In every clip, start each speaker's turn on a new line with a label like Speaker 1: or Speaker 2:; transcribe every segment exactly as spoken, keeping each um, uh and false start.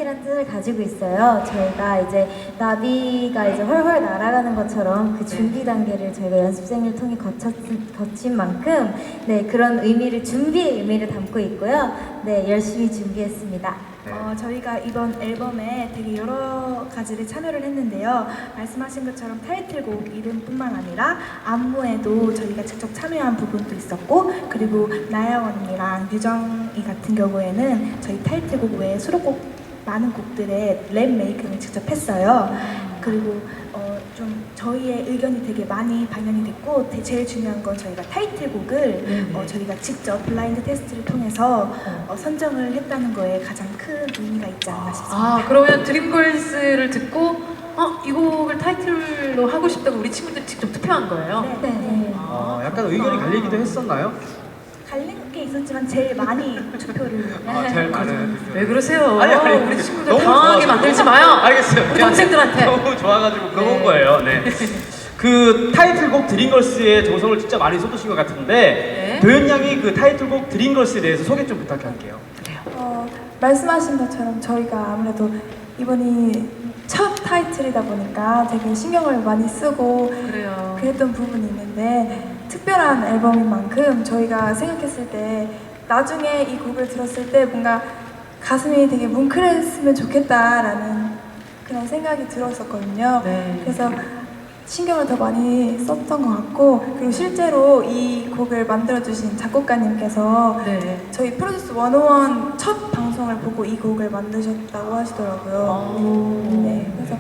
Speaker 1: 나비라는 뜻을 가지고 있어요. 저희가 이제 나비가 이제 훨훨 날아가는 것처럼 그 준비 단계를 저희가 연습생을 통해 거쳤, 거친 만큼 네, 그런 의미를 준비의 의미를 담고 있고요. 네, 열심히 준비했습니다.
Speaker 2: 네.
Speaker 3: 어, 저희가 이번 앨범에 되게 여러 가지를 참여를 했는데요. 말씀하신 것처럼 타이틀곡 이름뿐만 아니라 안무에도 저희가 직접 참여한 부분도 있었고, 그리고 나야 언니랑 유정이 같은 경우에는 저희 타이틀곡 외에 수록곡 많은 곡들의 랩 메이킹을 직접 했어요. 그리고 어, 좀 저희의 의견이 되게 많이 반영이 됐고, 대- 제일 중요한 건 저희가 타이틀곡을 어, 저희가 직접 블라인드 테스트를 통해서 어, 선정을 했다는 거에 가장 큰 의미가 있지 않나 싶습니다.
Speaker 2: 아, 그러면 드림걸스를 듣고 어, 이 곡을 타이틀로 하고 싶다고 우리 친구들이 직접 투표한 거예요?
Speaker 3: 네.
Speaker 1: 네.
Speaker 4: 아, 약간 의견이 갈리기도 했었나요?
Speaker 3: 갈린 게 있었지만 제일 많이 투표를
Speaker 4: 아, 제일 많은.
Speaker 2: 왜 그러세요?
Speaker 4: 아니, 아니,
Speaker 2: 우리 친구들
Speaker 4: 너무
Speaker 2: 당황하게
Speaker 4: 좋아서.
Speaker 2: 만들지 마요.
Speaker 4: 알겠어요.
Speaker 2: 우리
Speaker 4: 제가
Speaker 2: 동생들한테.
Speaker 4: 너무 좋아가지고 그런
Speaker 2: 네.
Speaker 4: 거예요. 네. 그 타이틀곡 드림걸스의 정성을 진짜 많이 쏟으신 것 같은데
Speaker 2: 네.
Speaker 4: 도현 양이 그 타이틀곡 드림걸스에 대해서 소개 좀 부탁할게요.
Speaker 5: 어, 말씀하신 것처럼 저희가 아무래도 이번이 첫 타이틀이다 보니까 되게 신경을 많이 쓰고
Speaker 2: 그래요.
Speaker 5: 그랬던 부분이 있는데, 특별한 앨범인 만큼 저희가 생각했을 때 나중에 이 곡을 들었을 때 뭔가 가슴이 되게 뭉클했으면 좋겠다라는 그런 생각이 들었었거든요.
Speaker 2: 네.
Speaker 5: 그래서 신경을 더 많이 썼던 것 같고, 그리고 실제로 이 곡을 만들어주신 작곡가님께서
Speaker 2: 네.
Speaker 5: 저희 프로듀스 백일 첫 방송을 보고 이 곡을 만드셨다고 하시더라고요.
Speaker 2: 오.
Speaker 5: 네, 그래서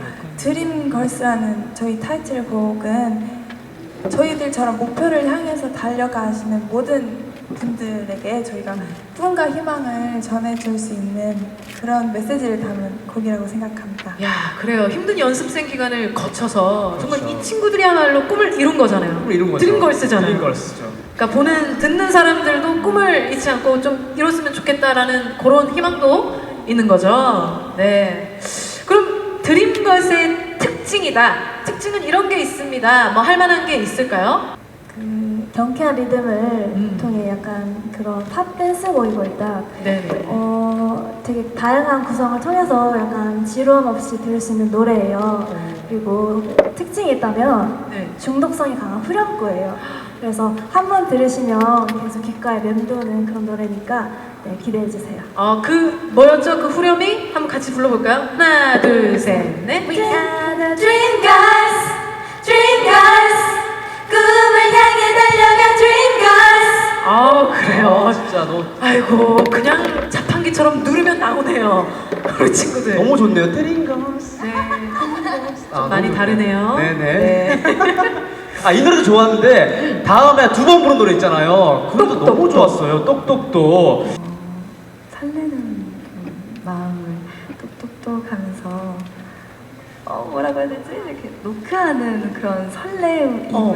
Speaker 5: 드림걸스라는 저희 타이틀곡은 저희들처럼 목표를 향해서 달려가시는 모든 분들에게 저희가 꿈과 희망을 전해줄 수 있는 그런 메시지를 담은 곡이라고 생각합니다.
Speaker 2: 야, 그래요. 힘든 연습생 기간을 거쳐서 정말
Speaker 4: 그렇죠.
Speaker 2: 이 친구들이야말로 꿈을 이룬 거잖아요.
Speaker 4: 꿈을 이룬 거죠.
Speaker 2: 드림걸스잖아요.
Speaker 4: 드림걸스죠.
Speaker 2: 그러니까 보는 듣는 사람들도 꿈을 잃지 않고 좀 이뤘으면 좋겠다라는 그런 희망도 있는 거죠. 네. 그럼 드림걸스의 특징이다. 특징은 이런 게 있습니다. 뭐 할 만한 게 있을까요?
Speaker 1: 그 경쾌한 리듬을
Speaker 2: 음.
Speaker 1: 통해 약간 그런 팝 댄스 보이고 있다.
Speaker 2: 네.
Speaker 1: 어, 되게 다양한 구성을 통해서 약간 지루함 없이 들을 수 있는 노래예요. 그리고 특징이 있다면
Speaker 2: 네.
Speaker 1: 중독성이 강한 후렴구예요. 그래서 한 번 들으시면 계속 귓가에 맴도는 그런 노래니까 네, 기대해 주세요.
Speaker 2: 어, 그 뭐였죠? 그 후렴이 한번 같이 불러볼까요? 하나, 둘, 셋, 넷.
Speaker 1: We are the
Speaker 6: Dream Girls, Dream Girls, 꿈을 향해 달려가 Dream Girls.
Speaker 2: 아, 그래요.
Speaker 4: 아, 진짜 너
Speaker 2: 아이고, 그냥 자판기처럼 누르면 나오네요. 우리 친구들.
Speaker 4: 너무 좋네요. 드림걸스.
Speaker 2: 네.
Speaker 4: 아,
Speaker 2: 좀 많이
Speaker 4: 너무
Speaker 2: 다르네요.
Speaker 4: 네네.
Speaker 2: 네.
Speaker 4: 아, 이 노래도 좋았는데 다음에 두 번 부른 노래 있잖아요. 그 노래도 너무 좋았어요. 똑똑똑.
Speaker 7: 설레는 그 마음을 똑똑똑 하면서 어 뭐라고 해야 되지? 이렇게 노크하는 그런 설레임을
Speaker 2: 어,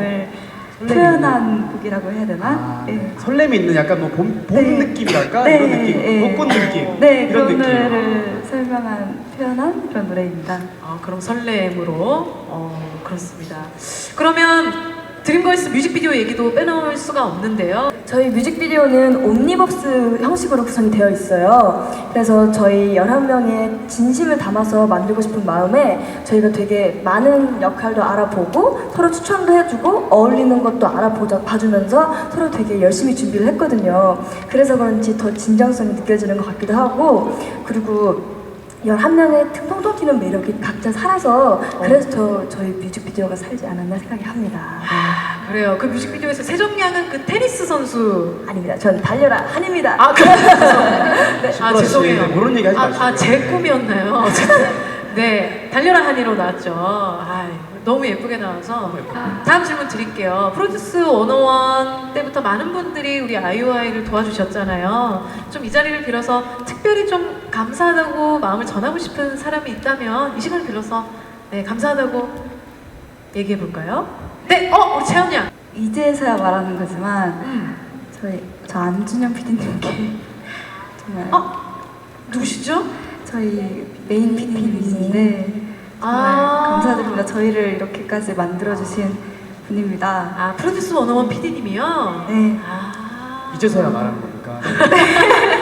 Speaker 7: 표현한 곡이라고 해야 되나?
Speaker 4: 아,
Speaker 7: 예.
Speaker 4: 네. 설렘이 있는 약간 뭐 봄, 봄
Speaker 7: 네.
Speaker 4: 느낌이랄까?
Speaker 7: 네,
Speaker 4: 이런 느낌.
Speaker 7: 예.
Speaker 4: 벚꽃 느낌.
Speaker 7: 네,
Speaker 4: 이런
Speaker 7: 그런
Speaker 4: 느낌.
Speaker 7: 노래를 설명한 표현한 그런 노래입니다.
Speaker 2: 아, 그럼 설렘으로 어, 그렇습니다. 그러면 드림걸스 뮤직비디오 얘기도 빼놓을 수가 없는데요.
Speaker 8: 저희 뮤직비디오는 옴니버스 형식으로 구성이 되어 있어요. 그래서 저희 열한 명의 진심을 담아서 만들고 싶은 마음에 저희가 되게 많은 역할도 알아보고 서로 추천도 해주고 어울리는 것도 알아보자 봐주면서 서로 되게 열심히 준비를 했거든요. 그래서 그런지 더 진정성이 느껴지는 것 같기도 하고, 그리고 열한 명의 통통 튀는 매력이 각자 살아서 그래서 저, 저희 뮤직비디오가 살지 않았나 생각이 합니다.
Speaker 2: 아, 그래요. 그 뮤직비디오에서 세정양은 그 테니스 선수.
Speaker 8: 아닙니다. 전 달려라 한입니다.
Speaker 2: 아, 그래요? 네. 아,
Speaker 4: 시끄러워,
Speaker 2: 죄송해요.
Speaker 4: 네, 그런 얘기 하지
Speaker 2: 아,
Speaker 4: 마시고요.
Speaker 2: 아, 제 꿈이었나요? 어쨌든. 네, 달려라 한이로 나왔죠. 아, 너무 예쁘게 나와서. 다음 질문 드릴게요. 프로듀스 백일 때부터 많은 분들이 우리 아이오아이를 도와주셨잖아요. 좀 이 자리를 빌어서 특별히 좀 감사하다고 마음을 전하고 싶은 사람이 있다면 이 시간을 빌어서 네, 감사하다고 얘기해 볼까요? 네, 어, 우리 채연 양.
Speaker 7: 이제서야 말하는 거지만
Speaker 2: 음.
Speaker 7: 저희 저 안준영 피디님께 정말
Speaker 2: 어, 누구시죠?
Speaker 7: 저희 메인 피디님이신데 정말
Speaker 2: 아.
Speaker 7: 감사드립니다. 저희를 이렇게까지 만들어주신 분입니다.
Speaker 2: 아, 프로듀스 백일 피디님이요?
Speaker 7: 네.
Speaker 2: 아.
Speaker 4: 이제서야 말하는 거니까.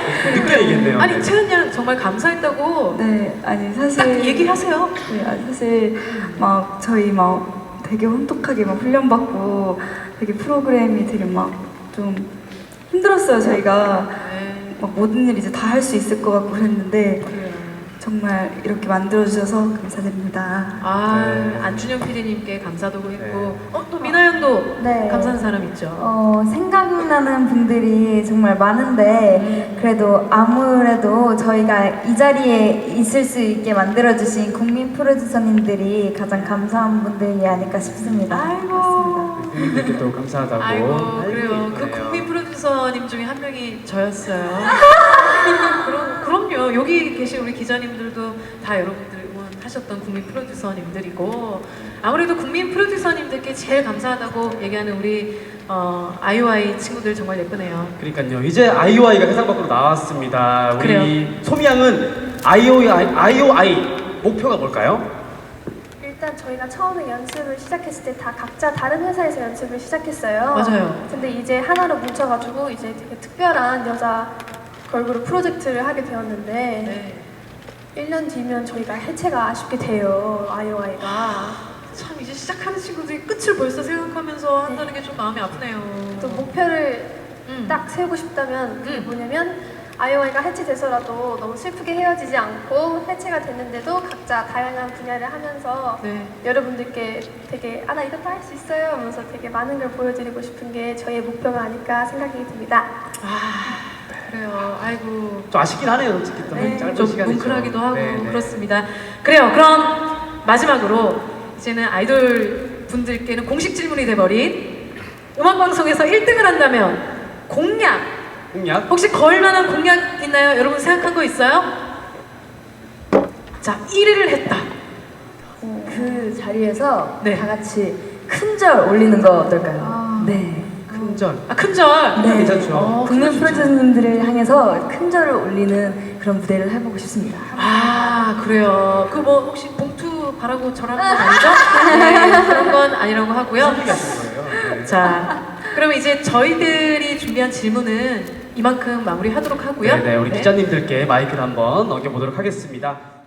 Speaker 4: 느껴야겠네요.
Speaker 2: 아니
Speaker 4: 네.
Speaker 2: 채은 양 정말 감사했다고
Speaker 7: 네, 아니
Speaker 2: 딱
Speaker 7: 사실
Speaker 2: 얘기하세요.
Speaker 7: 네, 아니 사실 막 저희 막 되게 혼톡하게 막 훈련받고 되게 프로그램이 되게 막 좀 힘들었어요. 저희가
Speaker 2: 네.
Speaker 7: 막 모든 일 이제 다 할 수 있을 것 같고 그랬는데
Speaker 2: 그래요.
Speaker 7: 정말 이렇게 만들어 주셔서 감사드립니다.
Speaker 2: 아
Speaker 4: 네.
Speaker 2: 안준영 피디님께 감사도 했고
Speaker 4: 네.
Speaker 2: 어 또 미나 양도
Speaker 1: 네.
Speaker 2: 감사한 사람 있죠.
Speaker 1: 어, 생각나는 분들이 정말 많은데 그래도 아무래도 저희가 이 자리에 있을 수 있게 만들어주신 국민 프로듀서님들이 가장 감사한 분들이 아닐까 싶습니다.
Speaker 2: 아이고.
Speaker 4: 국민들께 또 감사하다고.
Speaker 2: 아이고
Speaker 4: 아이고,
Speaker 2: 그래요. 그
Speaker 4: 그래요.
Speaker 2: 국민 프로듀서님 중에 한 명이 저였어요. 그럼 그럼요. 여기 계신 우리 기자님들도 다 여러분들 응원하셨던 국민 프로듀서님들이고 아무래도 국민 프로듀서님들께 제일 감사하다고 얘기하는 우리 어, 아이오아이 친구들 정말 예쁘네요.
Speaker 4: 그러니까요. 이제 아이오아이가 세상 밖으로 나왔습니다. 우리
Speaker 2: 그래요.
Speaker 4: 소미 양은 아이오아이, 아이오아이 목표가 뭘까요?
Speaker 3: 일단 저희가 처음에 연습을 시작했을 때 다 각자 다른 회사에서 연습을 시작했어요.
Speaker 2: 맞아요.
Speaker 3: 근데 이제 하나로 뭉쳐가지고 이제 되게 특별한 여자 걸그룹 프로젝트를 하게 되었는데
Speaker 2: 네.
Speaker 3: 일 년 뒤면 저희가 해체가 아쉽게 돼요. 아이오아이가.
Speaker 2: 참 이제 시작하는 친구들이 끝을 벌써 생각하면서 한다는 게 좀 마음이 아프네요.
Speaker 3: 또 목표를
Speaker 2: 음.
Speaker 3: 딱 세우고 싶다면 그게
Speaker 2: 음.
Speaker 3: 뭐냐면 아이오아이가 해체돼서라도 너무 슬프게 헤어지지 않고 해체가 됐는데도 각자 다양한 분야를 하면서
Speaker 2: 네.
Speaker 3: 여러분들께 되게 아 나 이것도 할 수 있어요 하면서 되게 많은 걸 보여드리고 싶은 게 저희의 목표가 아닐까 생각이 듭니다.
Speaker 2: 아 그래요. 아이고
Speaker 4: 좀 아쉽긴 하네요. 솔직히 또
Speaker 2: 네,
Speaker 4: 짧은
Speaker 2: 좀
Speaker 4: 시간이죠.
Speaker 2: 뭉클하기도 하고
Speaker 4: 네, 네.
Speaker 2: 그렇습니다. 그래요. 그럼 마지막으로 이제는 아이돌 분들께는 공식 질문이 돼버린 음악 방송에서 일 등을 한다면 공약
Speaker 4: 공약?
Speaker 2: 혹시 걸만한 공약 있나요? 여러분 생각한 거 있어요? 자 일 위를 했다.
Speaker 8: 그 자리에서
Speaker 2: 네.
Speaker 8: 다 같이 큰절 올리는 거 어떨까요? 네.
Speaker 4: 큰절.
Speaker 2: 아 큰절.
Speaker 8: 네.
Speaker 4: 괜찮죠.
Speaker 2: 어,
Speaker 8: 국민
Speaker 2: 좋죠.
Speaker 8: 프로듀서님들을 향해서 큰절을 올리는 그런 무대를 해보고 싶습니다.
Speaker 2: 아 그래요. 그 뭐 혹시 봉투 바라고 절하는 건 아니죠? 네, 그런 건 아니라고 하고요.
Speaker 4: 얘기하시는 거예요. 네.
Speaker 2: 자, 그럼 이제 저희들이 준비한 질문은 이만큼 마무리하도록 하고요.
Speaker 4: 네, 네, 우리
Speaker 2: 네.
Speaker 4: 기자님들께 마이크를 한번 넘겨보도록 하겠습니다.